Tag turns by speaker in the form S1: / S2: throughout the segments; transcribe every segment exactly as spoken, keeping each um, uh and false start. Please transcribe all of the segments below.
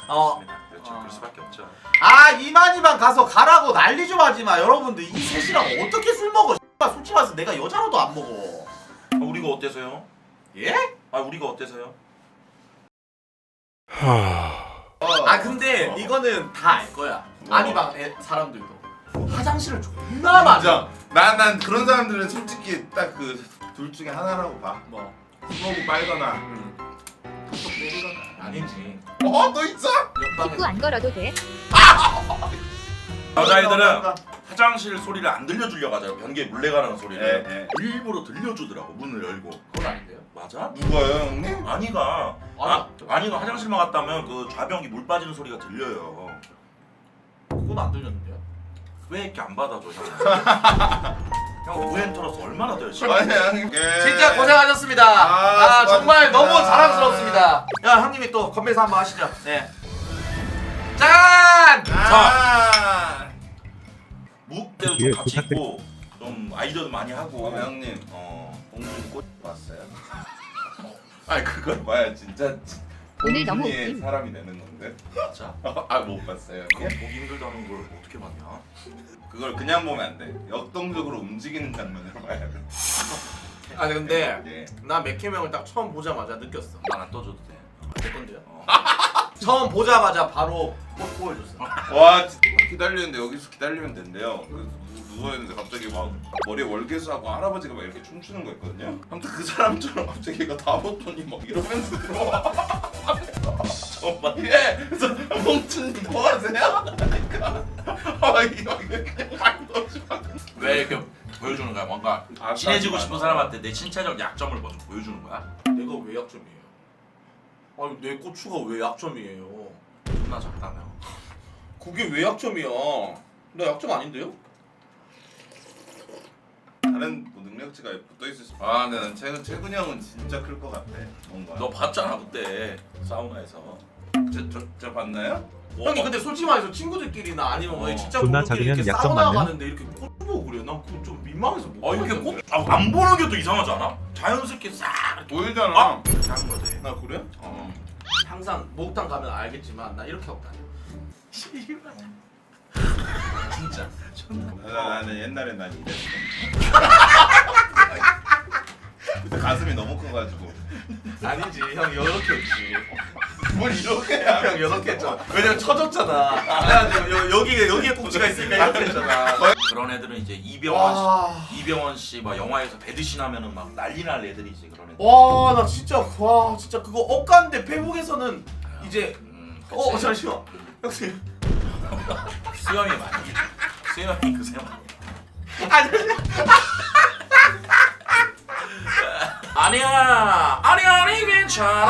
S1: 어.
S2: 그렇습니다. 그렇죠.
S1: 어.
S2: 그럴 수밖에 없죠.
S1: 아 이만희만 가서 가라고 난리 좀 하지마. 여러분들 이 셋이랑 어떻게 술 먹어. X발 솔직히 말해서 내가 여자로도 안 먹어.
S2: 아, 우리가 어때서요?
S1: 예?
S2: 아 우리가 어때서요?
S1: 아 근데 이거는 다 알 거야. 아니방 애- 사람들도 화장실을 존나 많아.
S3: 인정. 난, 난 그런 사람들은 솔직히 딱 그 둘 중에 하나라고 봐.
S1: 뭐
S3: 스모브 빨거나.
S1: 음. 또 때리거나 아니지.
S3: 어, 또 있어?
S4: 직구 안 걸어도 돼.
S2: 여자애들은 화장실 소리를 안 들려주려고 하잖아. 변기에 물레 가는 소리를
S3: 네, 네.
S2: 일부러 들려주더라고. 문을 열고.
S1: 그건 아닌데요.
S2: 맞아?
S3: 누가요, 형님?
S2: 아니가 아,
S1: 아니.
S2: 아니가 화장실만 갔다면 그 좌변기 물 빠지는 소리가 들려요.
S1: 그건 안 들렸는데요.
S2: 왜 이렇게 안 받아줘 형? 형 우엔터로서 얼마나 더 열심히
S3: 아니, 형님. 예.
S1: 진짜 고생하셨습니다.
S3: 아,
S1: 아, 정말
S3: 수고하셨습니다.
S1: 너무 자랑스럽습니다. 야 형님이 또 건배사 한번 하시죠. 네. 짠!
S3: 아.
S2: 무대도
S5: 예,
S2: 좀 같이
S5: 부탁드립-
S2: 있고 좀 아이디어도 많이 하고.
S3: 어, 형님.
S2: 어.
S3: 봉준이 꽃 봤어요?
S2: 아니 그걸
S3: 봐야 진짜
S4: 오늘 너무
S3: 봉준이의
S4: 웃김.
S3: 사람이 되는 건데.
S2: 맞아?
S3: 아, 못 봤어요,
S2: 그거
S3: 형님?
S2: 보기 힘들다는 걸 어떻게 봤냐?
S3: 그걸 그냥 보면 안 돼. 역동적으로 움직이는 장면을 봐야 돼.
S1: 아니 근데
S3: 예.
S1: 나 맥케명을 딱 처음 보자마자 느꼈어.
S2: 난 안 떠줘도 돼.
S1: 내 건데요.
S2: 어.
S1: 처음 보자마자 바로 꽃 보여줬어.
S3: 와, 진짜 기다리는데 여기서 기다리면 된대요. 그래서 누- 누워있는데 갑자기 막 머리에 월계수하고 할아버지가 막 이렇게 춤추는 거 있거든요. 아무튼 그 사람처럼 갑자기 얘가 다 벗더니 막 이러면서 들어와.
S2: 정말.
S3: 예. 그래서 봉준님 뭐 하세요? 그러니까 아 이거 그냥 막 넣어주고.
S2: 왜 이렇게 보여주는 거야? 뭔가
S3: 아,
S2: 친해지고
S3: 딱
S2: 싶은
S3: 맞아.
S2: 사람한테 내 신체적 약점을 먼저 보여주는 거야?
S1: 내가 왜 약점이에요? 아니 내 고추가 왜 약점이에요?
S2: 존나 작다며.
S1: 그게 왜 약점이야? 나 약점 아닌데요?
S3: 다른 뭐 능력치가 붙어 있을 수. 아, 근데 난 최근 최근 형은 진짜 클 것 같아. 뭔가.
S2: 너 봤잖아 그때 사우나에서.
S3: 저저 봤나요?
S1: 형이 근데 솔직히 말해서 친구들끼리나 아니면 뭐
S2: 어.
S1: 진짜
S5: 존나
S1: 부부끼리
S5: 작으면
S1: 이렇게
S5: 약점
S1: 사우나
S5: 맞는?
S1: 가는데 이렇게 꽃 보고 그래. 난 그거 좀 민망해서 못
S2: 아 이렇게
S1: 보겠는데.
S2: 꼭 아, 안 보는 게 또 이상하지 않아? 자연스럽게 싹 이렇게
S3: 보이잖아.
S2: 아! 이렇게 하는 거지.
S1: 나 그래?
S2: 어.
S1: 항상 목욕탕 가면 알겠지만 나 이렇게 하고 다녀. 씨발. 진짜.
S3: 나, 나는 옛날에 난 이랬어. 그때 가슴이 너무 커가지고.
S1: 아니지 형 이렇게 했지.
S3: 뭘 이렇게 해?
S1: 형 이렇게 했잖아. 왜냐면 쳐졌잖아. 그래가지고 여, 여기에 여기에 꼭지가 있으니까 이렇게 했잖아.
S2: 그런 애들은 이제 이병헌 씨,
S1: 와.
S2: 이병헌 씨 막 영화에서 배드신 하면은 막 난리 날 애들이지 그런 애들.
S1: 와, 나 진짜 와, 진짜 그거 억간데 페북에서는 이제
S2: 음,
S1: 어
S2: 그치.
S1: 잠시만. 형님.
S2: 수염이 많이. 수염이 그새 많이.
S1: 아니.
S2: 아니야, 아니 아니 괜찮아.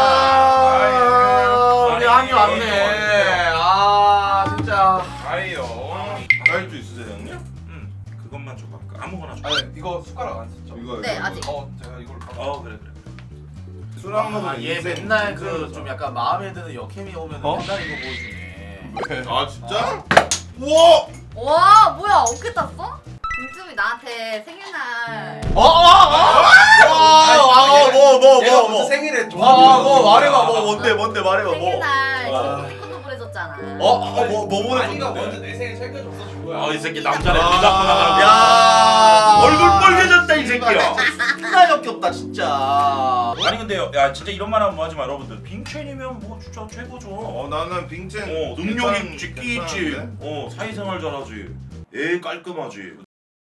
S1: 아, 우리 아니 왔네. 아, 진짜.
S3: 아이요. 딸주 있으세요 형님?
S2: 응, 그것만 줘봐. 그 아무거나 줘.
S6: 아니 이거 숟가락 안 썼죠?
S3: 이거
S4: 네,
S3: 이거.
S4: 아직.
S6: 어 제가 이걸
S2: 어 그래 그래.
S3: 술한
S1: 아,
S3: 모금.
S1: 얘 맨날 그 좀 약간 마음에 드는 여캠이 오면
S6: 어?
S1: 맨날 이거 보여주네.
S3: 아 진짜? 우와!
S4: 와 뭐야 어떻게 땄어? 김수미 나한테 생일날
S1: 어, 어, 어. 와, 뭐, 뭐,
S6: 얘가
S1: 뭐,
S6: 무슨
S1: 뭐.
S6: 생일에
S1: 와, 뭐 말해봐, 뭐 뭔데, 뭔데 말해봐, 뭐.
S4: 생일날
S1: 와.
S4: 친구 보내줬잖아.
S1: 어, 어, 뭐, 뭐
S6: 아니가 먼저
S1: 보내줬는데?
S6: 내 생일 챙겨줘서 준 거야.
S2: 어이 새끼 남자네
S1: 아,
S2: 눈 잡고 나가는 거야.
S1: 야,
S2: 얼굴 빨개졌다 이 새끼야.
S1: 존나 역겹다 진짜.
S2: 아니 근데 야 진짜 이런 말 하면 뭐하지 마 여러분들. 빙첸이면 뭐 진짜 최고죠.
S3: 어 나는 빙첸.
S2: 어 능력
S3: 괜찮-
S2: 있지 끼 있지.
S3: 괜찮은데?
S2: 어 사회생활 잘하지. 애 깔끔하지.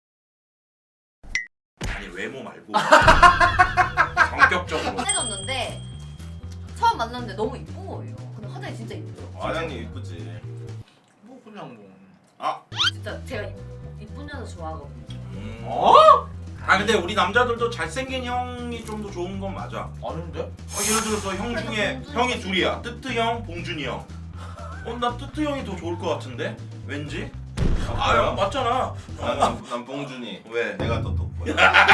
S2: 아니 외모 말고 성격적으로.
S4: 친해졌는데 처음 만났는데 너무 이쁜 거예요. 근데 화장이 진짜 이쁘더라고.
S3: 화장님 이쁘지.
S1: 뭐 그냥 뭐.
S3: 아
S4: 진짜 제가 이- 이쁜 여자 좋아하거든요.
S2: 음.
S1: 어?
S2: 아 근데 우리 남자들도 잘생긴 형이 좀 더 좋은 건 맞아.
S1: 아닌데?
S2: 어, 예를 들어서 형 중에 형이 둘이야. 뜨뜨 형, 봉준이 형. 어, 나 뜨뜨 형이 더 좋을 것 같은데? 왠지? 아, 형 맞잖아.
S3: 나는 난 봉준이.
S2: 왜?
S3: 내가 더 돋보여.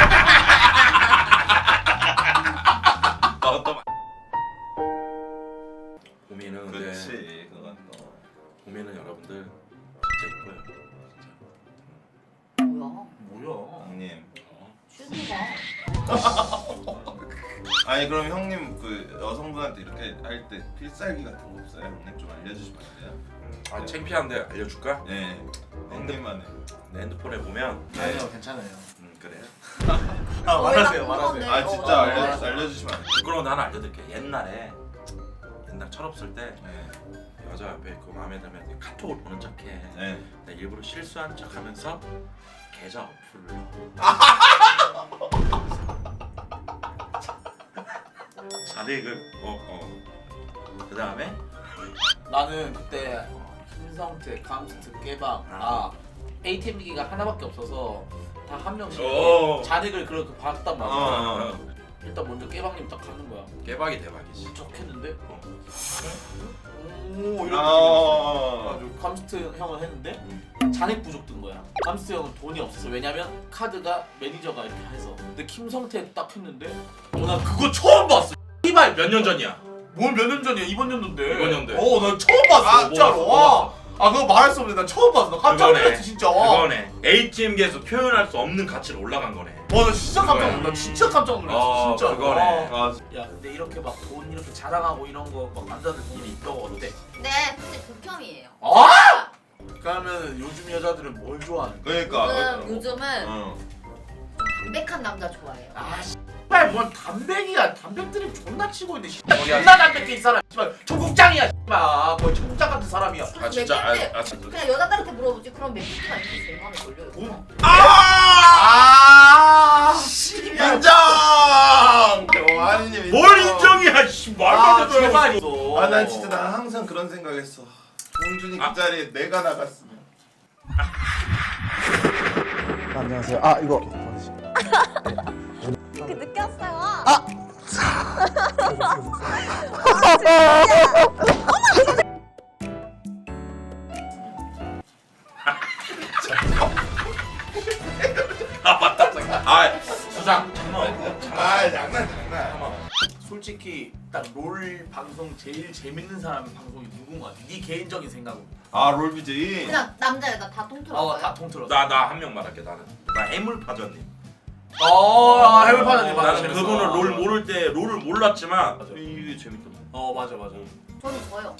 S2: 너 또. 고민은 근데
S3: 그렇지 그건 또.
S2: 고민은 여러분들 진짜 이뻐요.
S4: 뭐야?
S1: 뭐야?
S3: 형님.
S2: 어?
S4: 슈즈가
S3: 아니 그럼 형님 그 여성분한테 이렇게 할 때 필살기 같은 거 없어요? 형님 좀 알려주시면 안 돼요?
S2: 아 창피한데 알려줄까?
S3: 네. 형님만의.
S2: 내 핸드폰에 보면
S1: 아니요 괜찮아요.
S2: 음 그래.
S1: 아
S4: 거의 다
S1: 말하세요 말하세요.
S4: 궁금한데.
S3: 아 진짜
S4: 어,
S3: 알려
S1: 알았어.
S3: 알려주시면 안 돼요?
S2: 그럼 나는 알려드릴게. 옛날에 옛날 철없을 때
S3: 네.
S2: 여자 옆에 있고 마음에 들면 카톡을 보는 척해.
S3: 네.
S2: 내가 일부러 실수한 척하면서 계좌 어플로 자리를 어어 그 다음에
S6: 나는 그때 김성태, 감스트, 깨박 아 에이티엠 기기가 하나밖에 없어서 다 한 명씩
S2: 어.
S6: 잔액을 그렇게 받았단 말이야.
S2: 어,
S6: 일단 먼저 깨박님 딱 가는 거야.
S2: 깨박이 대박이지.
S6: 척했는데
S2: 어.
S6: 오 이렇게
S3: 아.
S6: 그래가지고 감스트 형을 했는데 잔액 부족 뜬 거야. 감스트 형은 돈이 없었어. 왜냐면 카드가 매니저가 이렇게 해서. 근데 김성태 딱 했는데 어나 그거 처음 봤어. 이발
S2: 몇 년 전이야?
S6: 뭘 몇 년 전이야? 이번 연도인데.
S2: 이번 연도에.
S6: 어, 나 처음 봤어.
S2: 아,
S6: 진짜로.
S2: 뭐 봤어, 뭐
S6: 와. 아, 그거 말할 수 없는데 나 처음 봤어. 나 깜짝
S2: 그거네.
S6: 놀랐지 진짜. 와,
S2: 그거네. 에이티엠기에서 표현할 수 없는 가치로 올라간 거네.
S6: 나 진짜 깜짝
S2: 그거야.
S6: 놀랐어. 나 진짜 깜짝 놀랐어.
S2: 어,
S6: 진짜.
S2: 그거네.
S6: 와.
S3: 아,
S6: 야, 근데 이렇게 막 돈 이렇게 자랑하고 이런 거막 남자들 일이 있다고 어때?
S4: 네, 근데 극혐이에요.
S6: 아! 그러면 요즘 여자들은 뭘 좋아하는 거야?
S3: 그러니까.
S4: 요즘, 요즘은
S3: 어.
S4: 담백한 남자 좋아해요.
S6: 아, 씨발 뭔 담백이야. 담백들이 존나 치고 있는데 씨발 존나 담백해 이 사람. 씨발 청국장이야. 씨발 거의 청국장 같은 사람이야.
S2: 아 진짜 아,
S4: 맥주인데
S2: 아 진짜.
S4: 그냥 여자들한테 물어보지. 그럼 맥주가 이렇게 제일 마음에 걸려요.
S6: 돈?
S3: 아! 인정! 아니님
S2: 뭘 인정이야 씨 말도
S6: 아,
S2: 안 되는
S6: 제발
S2: 소리.
S6: 있어.
S3: 아, 난 진짜 난 항상 그런 생각했어. 봉준이 그
S2: 아.
S3: 자리에 내가 나갔으면.
S5: 안녕하세요. 아 이거
S7: 이렇게 늦게 왔어요.
S5: 아!
S2: 아 맞다. 아 수장 참아.
S3: 아, 장난 장난.
S6: 솔직히 딱 롤 방송 제일 재밌는 사람 방송이 누군 거 같아? 네 개인적인 생각으로.
S3: 아, 롤비제이.
S4: 그냥 남자 여자 다 통틀어요.
S6: 어, 다 통틀어.
S2: 나나 한 명 말할게 나는. 나 해물파전님.
S6: 어, 해물파전님 맞아.
S2: 나는
S6: 재밌어.
S2: 그분을 롤 모를 때 롤을 몰랐지만
S6: 맞아.
S2: 이게 재밌더만.
S6: 어, 맞아, 맞아.
S4: 저는 저요.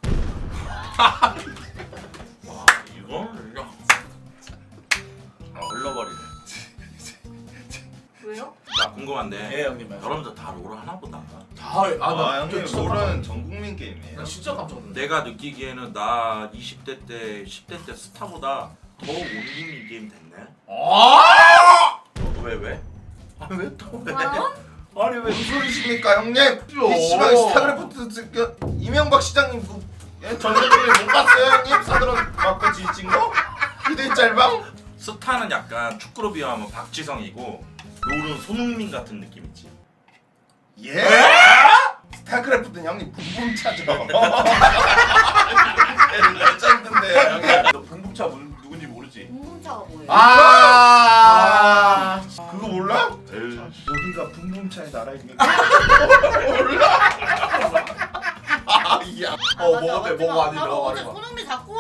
S2: 와 이거 그냥 아 흘러버리네.
S4: 왜요?
S2: 나 궁금한데
S6: 예, 형님 말씀.
S2: 여러분들 다 롤을 하나 보다.
S6: 다, 아,
S3: 아,
S6: 나
S3: 형님
S6: 진짜
S3: 롤은 전 국민 게임이에요.
S6: 나 진짜 깜짝 놀랐네.
S2: 내가 느끼기에는 나 이십 대 때, 십 대 때 스타보다 더 온국민 게임 됐네.
S6: 아!
S2: 어, 왜 왜? 아 왜 또 왜?
S4: 어?
S2: 아니 왜?
S3: 무슨 소리십니까, 형님? 피씨방 스타크래프트 쓰- 이명박 시장님 그 전세기를 못 봤어요, 형님? 사드론 맞고 지친 거? 이대 짤방?
S2: 스타는 약간 축구로 비하면 박지성이고 롤은 손흥민 같은 느낌이지.
S3: 예? 스타크래프트는 형님 분분차죠. 레전드인데요, 형님.
S6: 너 붕붕차 문- 누군지 모르지?
S4: 공문자가 뭐예요?
S6: 아!
S3: 그거 몰라?
S2: 에이.
S3: 여기가 붕붕차의 나라입니까? 몰라? 아, 야.
S6: 어,
S4: 맞아,
S6: 뭐가 돼,
S4: 맞지
S6: 뭐가
S4: 마.
S6: 안 돼,
S4: 나도
S6: 너가
S4: 어제
S6: 말해봐.
S4: 손흥민 자꾸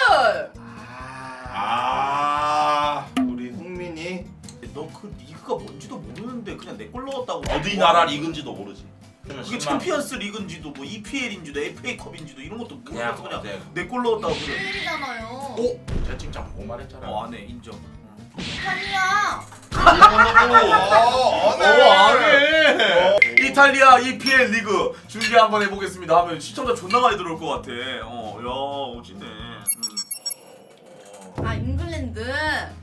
S3: 아, 우리 흥민이
S6: 너그 리그가 뭔지도 모르는데 그냥 내 꼴 넣었다고.
S2: 어디 나라 리그인지도 모르지. 그러면
S6: 그게
S2: 십만
S6: 챔피언스 리그인지도 뭐 이피엘인지도 에프에이컵인지도 이런 것도
S2: 그냥
S6: 모르면서 그냥
S2: 그냥
S6: 내 꼴 넣었다고 그래.
S4: 일이잖아요.
S6: 오!
S2: 채팅창 보고 말했잖아.
S6: 어, 안 해. 인정.
S4: 이탈리아.
S3: 어,
S6: 안 해. 이탈리아 이피엘 리그 중계 한번 해보겠습니다 하면 시청자 존나 많이 들어올 것 같아. 어, 야, 오지네. 음.
S4: 아 잉글랜드.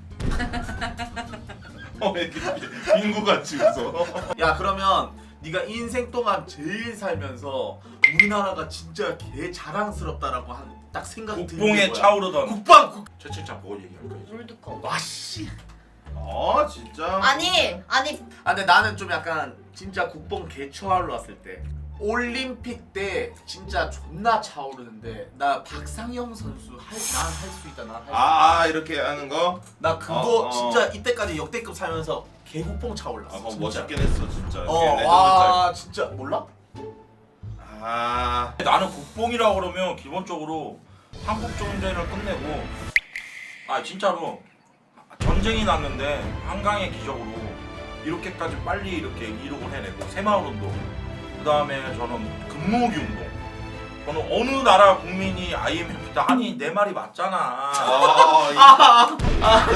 S3: 어, 왜 이렇게 빙구같이 웃어?
S6: 야, 그러면 네가 인생 동안 제일 살면서 우리나라가 진짜 개 자랑스럽다라고 한 딱 생각이 드는 게
S2: 국뽕에
S6: 뭐야?
S2: 차오르던
S6: 국방 국.
S2: 채팅창 보고 얘기할 거야.
S4: 롤드컵.
S6: 와 씨.
S3: 아, 진짜?
S4: 아니 아니
S6: 아 근데 나는 좀 약간 진짜 국뽕 개 차올랐을 때 올림픽 때 진짜 존나 차오르는데 나 박상영 선수 할난할 수 있다 난 할 수 있다.
S3: 아, 이렇게 하는 거?
S6: 나 그거
S3: 어, 어.
S6: 진짜 이때까지 역대급 살면서 개국뽕 차올랐어.
S3: 아, 그거
S6: 진짜.
S3: 멋있긴 했어, 진짜.
S6: 어,
S3: 레전드
S6: 와 진짜 몰라?
S3: 짤. 아,
S2: 나는 국뽕이라 그러면 기본적으로 한국 전쟁을 끝내고 아 진짜로 전쟁이 났는데 한강의 기적으로 이렇게까지 빨리 이렇게 이룩을 해내고 새마을 운동. 그 다음에 저는 금모으기 운동. 저는 어느 나라 국민이 아이엠에프 때 아니 내 말이 맞잖아.
S3: 아,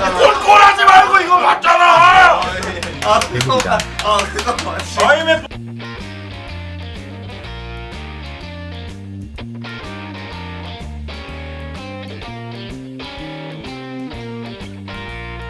S2: 꼴꼴하지 말고 이거 맞잖아.
S3: 아, 예.
S1: 아 그거 아 그거 맞지.
S2: 아이엠에프